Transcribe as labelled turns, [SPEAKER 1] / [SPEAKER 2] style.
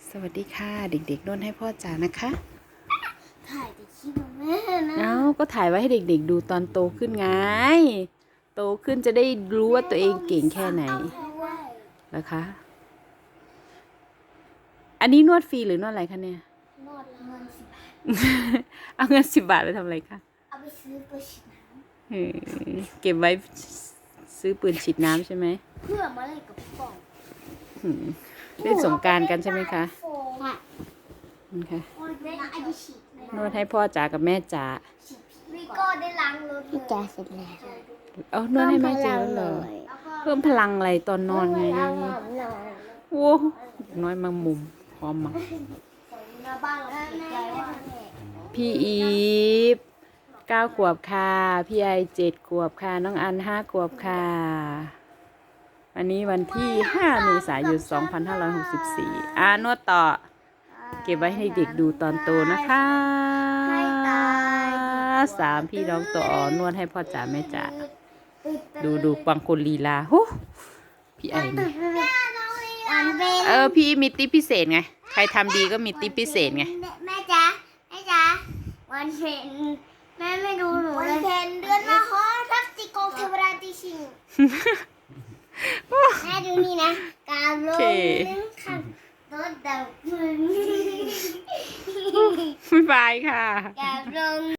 [SPEAKER 1] สวัสดีค่ะเด็กๆนวดให้พ่อจ๋านะคะ
[SPEAKER 2] ถ่ายแต่คลิปของแม่นะ
[SPEAKER 1] เอ้าก็ถ่ายไว้ให้เด็กๆดูตอนโตขึ้นไงโตขึ้นจะได้รู้ว่าตัวเองเก่งแค่ไหนนะคะ อันนี้นวดฟรีหรือนวดอะไรคะเนี่ย
[SPEAKER 2] นวดเงิน10 บาท
[SPEAKER 1] เอาเงิน10 บาทไปทำอะไรคะ
[SPEAKER 2] เอาไปซื้อปืนฉีดน้
[SPEAKER 1] เก็บไว้ซื้อปืนฉีดน้ำใช่ไหม
[SPEAKER 2] ำเพื่อมาเล่นกับพี่ปอง
[SPEAKER 1] เล่นสงกรานต์กันใช่ไหมคะ
[SPEAKER 2] ค่ะ
[SPEAKER 1] นี่ค่ะ
[SPEAKER 2] เล่นไอพีฉีด
[SPEAKER 1] นวดให้พ่อจ๋ากับแม่จ๋า
[SPEAKER 2] วิโก้ได้ล้างรถพี่จ๋าเสร็จแล้ว
[SPEAKER 1] เอานวดให้แม่จ๋าแล้วเหรอเพิ่มพลังอะไรตอนนอนไงโอ้น้อยมามุมพร้อมมา
[SPEAKER 2] หน้าบ้านเราติดใจว่า
[SPEAKER 1] พี่อีฟ9 ขวบค่ะ พี่ไอ7 ขวบค่ะ น้องอัน5 ขวบค่ะวันนี้วันที่5 เมษายน 2564นวดต่อ เก็บไว้ให้เด็กดูตอนโตนะคะ3 พี่น้องต่อนวดให้พ่อจ๋าแม่จ๋าดูบางคนลีลาฮู้พี่ไอนี่
[SPEAKER 2] วันเป็น
[SPEAKER 1] พี่มีติ๊ปพิเศษไง ใครทำดีก็มีติ๊ปพิเศษไง
[SPEAKER 2] แม่จ๋าแม่จ๋าวันเป็นแม่ไม่ดูหนูเลยวันเป็นเดือนละครทักติกองเทวราติชิงแม่ดูนี่นะกาโลนึงค่ะรถดับเพลิง
[SPEAKER 1] บ๊ายบายค่ะ
[SPEAKER 2] กาโล